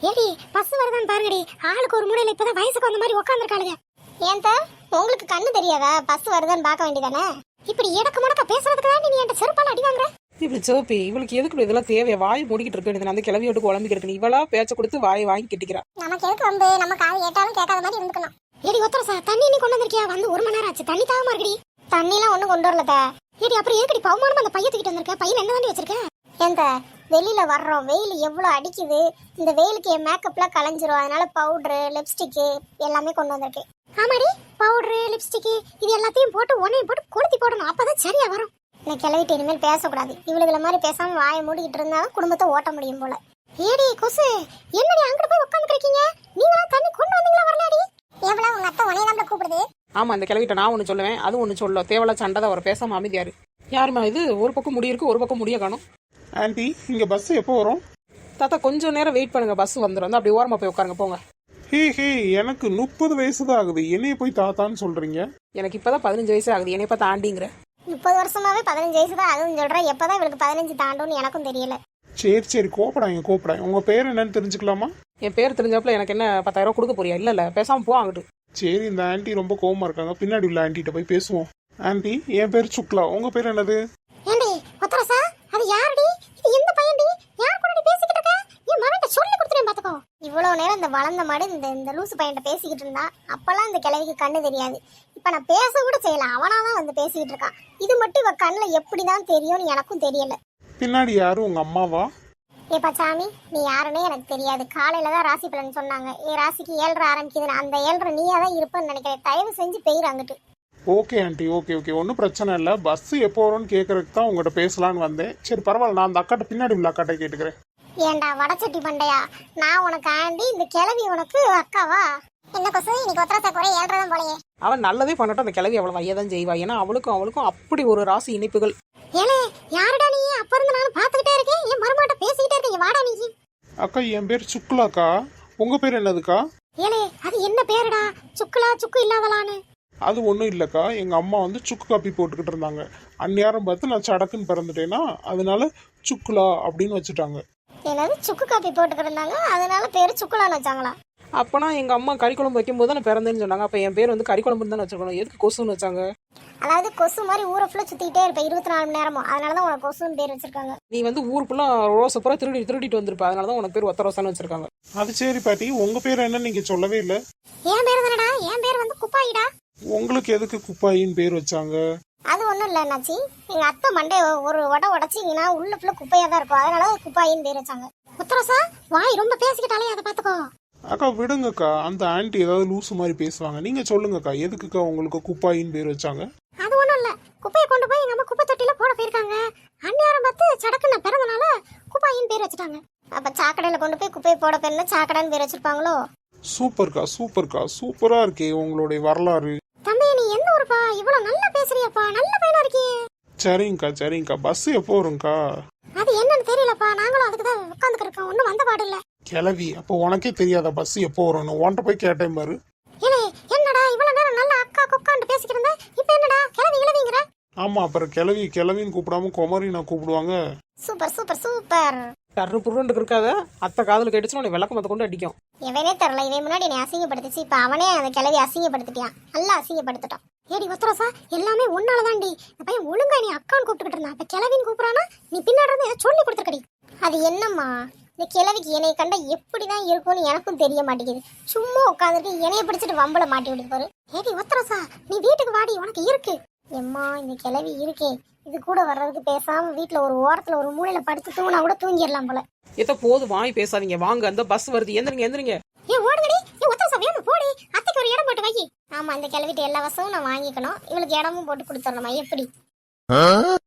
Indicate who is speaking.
Speaker 1: ஏடி bus வருதான்னு பாருங்கடி. ஆளுக்கு ஒரு மூலையில இப்பதான் வயசுக்கு வந்த மாதிரி உட்காந்துருக்காளுங்க. ஏன்டா உங்களுக்கு கண்ணு தெரியாதா? பஸ் வருதான்னு பார்க்க வேண்டியதானே. இப்படி இடக்கு முடக்க பேசுறதுக்கு தான் நீ என்கிட்ட செருப்பால அடி வாங்குற.
Speaker 2: இப்படி சோப்பி இவளுக்கு எதுக்கு இதெல்லாம் தேவையா? வாய் மூடிக்கிட்டு இருக்கு. அந்த கிளவி விட்டு குழம்பிக்கிட்டு இருக்கு. இவளா பேச்ச கொடுத்து வாயை வாங்கி கிட்டிக்கிறா.
Speaker 1: நமக்கு எதுக்கு வந்து நம்ம காது கேட்டாலும் கேட்காத மாதிரி இருந்துக்கணும். ஏடி ஒத்தரசா தண்ணி நீ கொண்டு வந்திருக்கியா? வந்து 1 மணி நேரம் ஆச்சு. தண்ணி தாகமா இருக்குடி. தண்ணிலாம் ஒண்ணும் கொண்டு வரலத. ஏடி அப்புறம் எதுக்கடி பவுமானமா அந்த பைய தூக்கிட்டு வந்திருக்க? பையில என்ன தாண்டி வச்சிருக்க? ஏந்த வெளியில வர்றோம், வெயில் எவ்வளவு அடிக்குது. இந்த வெயிலுக்கு என் மேக்கப்லாம் கலைஞ்சிரும். அதனால பவுடரு, லிப்ஸ்டிக் எல்லாமே கொண்டு வந்திருக்கேன். ஆமாடி, பவுடரு, லிப்ஸ்டிக் இது எல்லாத்தையும் போட்டு ஒன்னையும் போட்டு கொளுத்தி போடணும். அப்பதான் சரியா வரும். நான் கிளவிட்டு இனிமேல் பேசக்கூடாது. இவளுகளை மாதிரி பேசாம வாயை மூடிக்கிட்டு இருந்தாலும் குடும்பத்தை ஓட்ட முடியும் போல. ஏடி கொசு என்னடி அங்கிட்டு போய் உட்காந்துருக்கீங்க? நீங்களா தண்ணி கொண்டு வந்தீங்களா? வரலாடி எவ்வளவு உங்க அத்தை உனைய தான் கூப்பிடுது.
Speaker 2: ஆமா, அந்த கிளவிட்ட நான் ஒண்ணு சொல்லுவேன், அது ஒண்ணு சொல்ல. தேவலா சண்டை தான். அவர் பேசாம அமைதியாரு. யாருமா இது? ஒரு பக்கம் முடி இருக்கு, ஒரு பக்கம் முடிய காணும்.
Speaker 3: ஆண்டி இங்க பஸ் எப்போ வரும்?
Speaker 2: தாத்தா கொஞ்சம் நேரம் வெயிட் பண்ணுங்க, பஸ் வந்துடும். அப்படி ஓரமா போய் உட்காருங்க போங்க.
Speaker 3: ஹே எனக்கு 30 வயசு தான் ஆகுது, என்னைய போய் தாத்தான்னு சொல்றீங்க?
Speaker 2: எனக்கு இப்பதான் 15 வயசு ஆகுது. என்னை பார்த்தா ஆண்டிங்கிற.
Speaker 1: 30 வருஷமாவே 15 வயசு தான் அதுவும் சொல்றேன். எப்பதான் இவளுக்கு 15 தாண்டும்னு எனக்கும் தெரியல.
Speaker 3: சரி கோப்படாங்க. உங்க பேர் என்னன்னு தெரிஞ்சுக்கலாமா?
Speaker 2: என் பேர் தெரிஞ்சப்பல எனக்கு என்ன 10,000 ரூபா கொடுக்க போறியா? இல்ல பேசாம போ அங்கிட்டு.
Speaker 3: சரி, இந்த ஆண்டி ரொம்ப கோவமா இருக்காங்க. பின்னாடி உள்ள ஆண்டிகிட்ட போய் பேசுவோம். ஆண்டி, என் பேர் சுக்லா, உங்க பேர் என்னது?
Speaker 1: ஏண்டி ஒத்தரசா அது யாருடி? இது எந்த பையன்டி? யார் கூட பேசிக்கிட்டு இருக்க? என் மகன்கிட்ட சொல்லி கொடுத்துறேன் பாத்துக்கோ. இவ்வளவு நேரம் இந்த வளர்ந்த மாடு இந்த லூசு பையன்கிட்ட பேசிக்கிட்டு இருந்தா அப்பெல்லாம் இந்த கிழவிக்கு கண்ணு தெரியாது. இப்ப நான் பேச கூட செய்யல, அவனாதான் வந்து பேசிக்கிட்டு இருக்கான். இது மட்டும் இவ கண்ணுல எப்படிதான் தெரியும்னு எனக்கும் தெரியல.
Speaker 3: பின்னாடி யாரும் உங்க அம்மாவா?
Speaker 1: ஏப்பா சாமி, நீ யாருன்னே எனக்கு தெரியாது. காலையில தான் ராசி பலன் சொன்னாங்க. என் ராசிக்கு 7:30 ஆரம்பிக்குதுன்னு. அந்த 7:30 நீயா தான் இருப்பேன்னு நினைக்கிறேன். தயவு செஞ்சு பெயர் அங்கிட்டு.
Speaker 3: ஓகே ஆண்டி, ஓகே ஒன்றும் பிரச்சனை இல்லை. பஸ் எப்போ வரும்னு கேட்கறதுக்கு தான் உங்கள்கிட்ட பேசலான்னு வந்தேன். சரி பரவாயில்ல, நான் அந்த அக்காட்ட பின்னாடி உள்ள அக்காட்ட கேட்டுக்கிறேன்.
Speaker 1: ஏண்டா வடச்சட்டி பண்டையா, நான் உனக்கு ஆண்டி, இந்த கிழவி உனக்கு அக்காவா? என்ன கொசு இன்னைக்கு ஒத்தரசா குறை 7:30 தான் போலயே.
Speaker 2: அவன் நல்லதே பண்ணட்டும். அந்த கிழவி அவ்வளவு வையதான் செய்வா. ஏன்னா அவளுக்கும் அப்படி ஒரு ராசி இணைப்புகள்.
Speaker 1: ஏலே யாருடா நீ? அப்ப இருந்து நானும் பாத்துக்கிட்டே இருக்கேன். என் மருமாட்ட பேசிக்கிட்டே இருக்கீங்க. வாடா நீ.
Speaker 3: அக்கா, என் பேர் சுக்லாக்கா. உங்க பேர் என்னதுக்கா?
Speaker 1: ஏலே அது என்ன பேருடா? சுக்குலா சுக்கு இல்லாதலான்னு?
Speaker 3: அது ஒன்றும் இல்லைக்கா, எங்கள் அம்மா வந்து சுக்கு காப்பி போட்டுக்கிட்டு இருந்தாங்க. அந்நேரம் பார்த்து நான் சடக்குன்னு பிறந்துட்டேன்னா அதனால சுக்குலா அப்படின்னு வச்சுட்டாங்க.
Speaker 1: என்னது சுக்கு காப்பி போட்டுக்கிட்டு இருந்தாங்க அதனால பேரு சுக்குலான்னு வச்சாங்களா?
Speaker 2: அப்பனா எங்க அம்மா கறி குழம்பு வைக்கும் போது நான் பிறந்தேன்னு சொன்னாங்க. அப்ப என் பேர் வந்து கறி குழம்புன்னு தானே வச்சிருக்கணும். எதுக்கு கொசுன்னு வச்சாங்க?
Speaker 1: அதாவது கொசு மாதிரி ஊரை ஃபுல்லா சுத்திக்கிட்டே இருப்பேன் 24 மணி நேரமும். அதனாலதான் உனக்கு கொசுன்னு பேர் வச்சிருக்காங்க.
Speaker 2: நீ வந்து ஊர் ஃபுல்லா ரோஸை பூரா திருடிட்டு வந்திருப்ப. அதனாலதான் உனக்கு பேர் ஒத்த ரோசான்னு வச்சிருக்காங்க.
Speaker 3: அது சரி பாட்டி, உங்க பேர் என்ன நீங்க சொல்லவே இல்லை.
Speaker 1: என் பேர் தானடா. என் பேர் வந்து குப்பாயிடா.
Speaker 3: உங்களுக்கு எதுக்கு குப்பாயின்னு பேர் வச்சாங்க?
Speaker 1: அது ஒண்ணும் இல்ல என்னாச்சு, எங்க அத்தை மண்டே ஒரு உடைச்சிங்கன்னா உள்ள ஃபுல்லா குப்பையா தான் இருக்கும். அதனால குப்பாயின்னு பேர் வச்சாங்க. உத்தரசா வாய் ரொம்ப பேசிக்கிட்டாலே அதை பாத்துக்கோ.
Speaker 3: அக்கா விடுங்கக்கா, அந்த ஆண்டி ஏதாவது லூசு மாதிரி பேசுவாங்க. நீங்க சொல்லுங்கக்கா, எதுக்குக்கா உங்களுக்கு குப்பாயின்னு பேர் வச்சாங்க?
Speaker 1: அது ஒண்ணும் இல்ல, குப்பையை கொண்டு போய் எங்க அம்மா குப்பை தொட்டில போட போயிருக்காங்க. அந்நேரம் பார்த்து சடக்குன்னு பிறந்தனால குப்பாயின்னு பேர் வச்சுட்டாங்க. அப்ப சாக்கடையில கொண்டு போய் குப்பையை போட போயிருந்தா சாக்கடைன்னு பேர் வச்சிருப்பாங்களோ?
Speaker 3: சூப்பர்க்கா, சூப்பரா இருக்கே உங்களுடைய வரலாறு.
Speaker 1: தம்பி நீ எந்த ஊருப்பா? இவ்வளவு நல்லா பேசுறியப்பா, நல்ல பையனா இருக்கியே.
Speaker 3: சரிங்கக்கா, பஸ் எப்போ வரும்க்கா?
Speaker 1: அது என்னன்னு தெரியலப்பா, நாங்களும் அதுக்கு தான் உட்காந்துக்கிட்டு இருக்கோம். ஒன்னும் வந்த பாடு இல்ல.
Speaker 3: கிளவி, அப்போ உனக்கே தெரியாத பஸ் எப்போ வரும்னு? உன்கிட்ட போய் கேட்டேன் பாரு.
Speaker 1: ஏலே என்னடா இவ்வளவு நேரம் நல்லா அக்கா கொக்கான்னு பேசிக்கிட்டு இருந்த, இப்ப என்னடா கிளவிங்கிற?
Speaker 3: ஆமா, அப்புறம் கிளவின்னு கூப்பிடாம குமரி நான் கூப்பிடுவாங்க.
Speaker 1: சூப்பர்.
Speaker 2: டர்ரு புருண்டு இருக்காத. அத்தை காதல் கேட்டுச்சுன்னா உன்னை விளக்கமத்தை கொண்டு அடிக்கும்.
Speaker 1: இவனே தெரியல, இவன் முன்னாடி என்னை அசிங்கப்படுத்திச்சு. இப்ப அவனே அந்த கிளவி அசிங்கப்படுத்திட்டான். நல்லா அசிங்கப்படுத்திட்டான். ஏடி ஒத்தரசா எல்லாமே உன்னாலதான்டி. இந்த பையன் ஒழுங்கா நீ அக்கான்னு கூப்பிட்டுக்கிட்டு இருந்தான். இப்ப கிளவின்னு கூப்பிடானா நீ பின்னாடி இருந்து ஏதோ சொல்லி கொடுத்துருக்கடி. அது என்னம்மா, இந்த கிழவிக்கு என்னை கண்டா எப்படிதான் இருக்கும்னு எனக்கும் தெரிய மாட்டேங்குது. சும்மா உட்காந்துருக்கு என்னைய பிடிச்சிட்டு வம்பள மாட்டி விடுப்பாரு. ஏடி ஒத்தரசா நீ வீட்டுக்கு வாடி, உனக்கு இருக்கு. எம்மா இந்த கிழவி இருக்கே, இது கூட வர்றதுக்கு பேசாம வீட்டுல ஒரு ஓரத்துல ஒரு மூலையில படுத்து தூங்கினா கூட தூங்கிடலாம் போல.
Speaker 2: எத்த போது வாய் பேசாதீங்க. வாங்க, அந்த பஸ் வருது. எந்திரிங்க.
Speaker 1: ஏ ஓடுங்கடி, ஏ ஒத்தரசா வேணும் போடி. அத்தைக்கு ஒரு இடம் போட்டு வை. ஆமா, இந்த கிழவிட்டு எல்லா வசமும் நான் வாங்கிக்கணும். இவளுக்கு இடமும் போட்டு கொடுத்துடணுமா எப்படி?